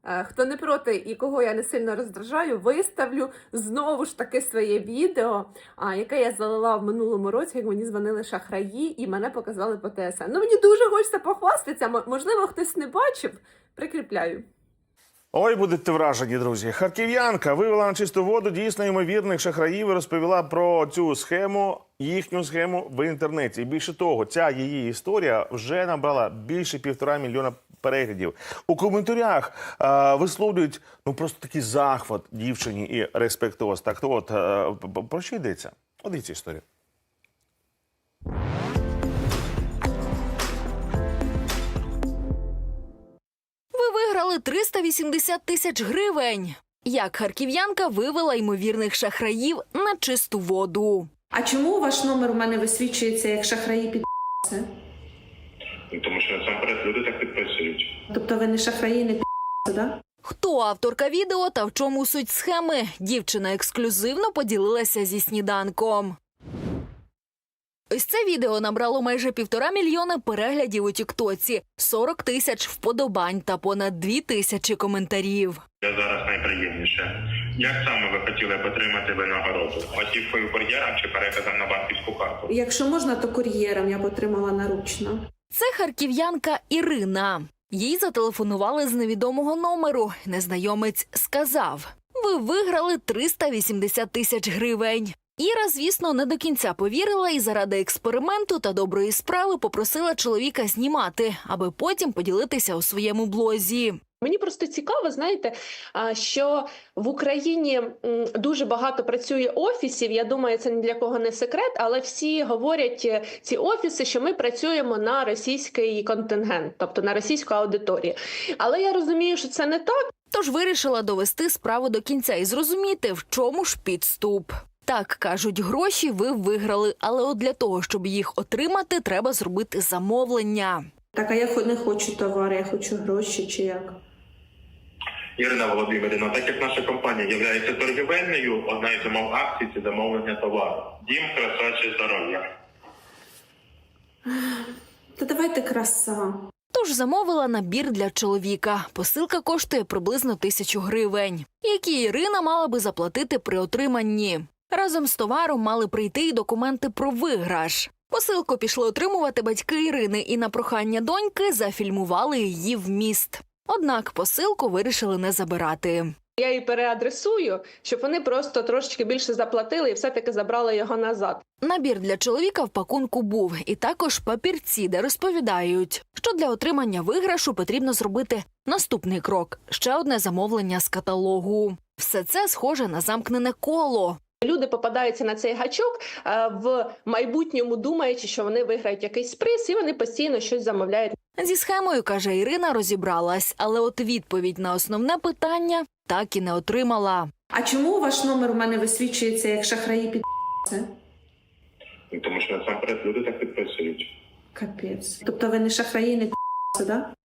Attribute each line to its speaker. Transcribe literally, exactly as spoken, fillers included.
Speaker 1: Хто не проти і кого я не сильно роздражаю, виставлю знову ж таки своє відео, яке я залила в минулому році, як мені дзвонили шахраї і мене показали по ТСН. Ну, мені дуже хочеться похвастатися, можливо, хтось не бачив, прикріпляю.
Speaker 2: Ой, будете вражені, друзі. Харків'янка вивела на чисту воду дійсно ймовірних шахраїв і розповіла про цю схему, їхню схему в інтернеті. І більше того, ця її історія вже набрала більше півтора мільйона переглядів. У коментарях е, висловлюють ну просто такий захват дівчині і респектоз. Так от, е, про що йдеться? От дивіться історію.
Speaker 3: Виграли триста вісімдесят тисяч гривень. Як харків'янка вивела ймовірних шахраїв на чисту воду.
Speaker 1: А чому ваш номер у мене висвічується як шахраї під це?
Speaker 4: Тому що насамперед люди так підписують.
Speaker 1: Тобто ви не шахраї, не під да?
Speaker 3: Хто авторка відео та в чому суть схеми? Дівчина ексклюзивно поділилася зі сніданком. Ось це відео набрало майже півтора мільйона переглядів у тіктоці, сорок тисяч вподобань та понад дві тисячі коментарів.
Speaker 4: Я зараз найприємніше. Як саме ви хотіли б отримати винагороду? Готівкою, кур'єром чи переказом на банківську карту?
Speaker 1: Якщо можна, то кур'єром я б отримала наручно.
Speaker 3: Це харків'янка Ірина. Їй зателефонували з невідомого номеру. Незнайомець сказав: «Ви виграли триста вісімдесят тисяч гривень». Іра, звісно, не до кінця повірила і заради експерименту та доброї справи попросила чоловіка знімати, аби потім поділитися у своєму блозі.
Speaker 5: Мені просто цікаво, знаєте, що в Україні дуже багато працює офісів, я думаю, це ні для кого не секрет, але всі говорять, ці офіси, що ми працюємо на російський контингент, тобто на російську аудиторію. Але я розумію, що це не так.
Speaker 3: Тож вирішила довести справу до кінця і зрозуміти, в чому ж підступ. Так, кажуть, гроші ви виграли, але от для того, щоб їх отримати, треба зробити замовлення.
Speaker 1: Так, а я не хочу товари, я хочу гроші чи як?
Speaker 4: Ірина Володимирівна, так як наша компанія є торгівельною, одна із умов акцій – це замовлення товару. Дім, краса чи здоров'я?
Speaker 1: Та давайте краса.
Speaker 3: Тож замовила набір для чоловіка. Посилка коштує приблизно тисячу гривень, які Ірина мала би заплатити при отриманні. Разом з товаром мали прийти й документи про виграш. Посилку пішли отримувати батьки Ірини і на прохання доньки зафільмували її вміст. Однак посилку вирішили не забирати.
Speaker 5: Я її переадресую, щоб вони просто трошечки більше заплатили і все-таки забрали його назад.
Speaker 3: Набір для чоловіка в пакунку був. І також папірці, де розповідають, що для отримання виграшу потрібно зробити наступний крок – ще одне замовлення з каталогу. Все це схоже на замкнене коло.
Speaker 5: Люди попадаються на цей гачок в майбутньому, думаючи, що вони виграють якийсь приз, і вони постійно щось замовляють.
Speaker 3: Зі схемою, каже Ірина, розібралась, але от відповідь на основне питання так і не отримала.
Speaker 1: А чому ваш номер у мене висвічується як шахраї під це?
Speaker 4: Тому що насамперед люди так підписують.
Speaker 1: Капець. Тобто ви не шахраї, не під да?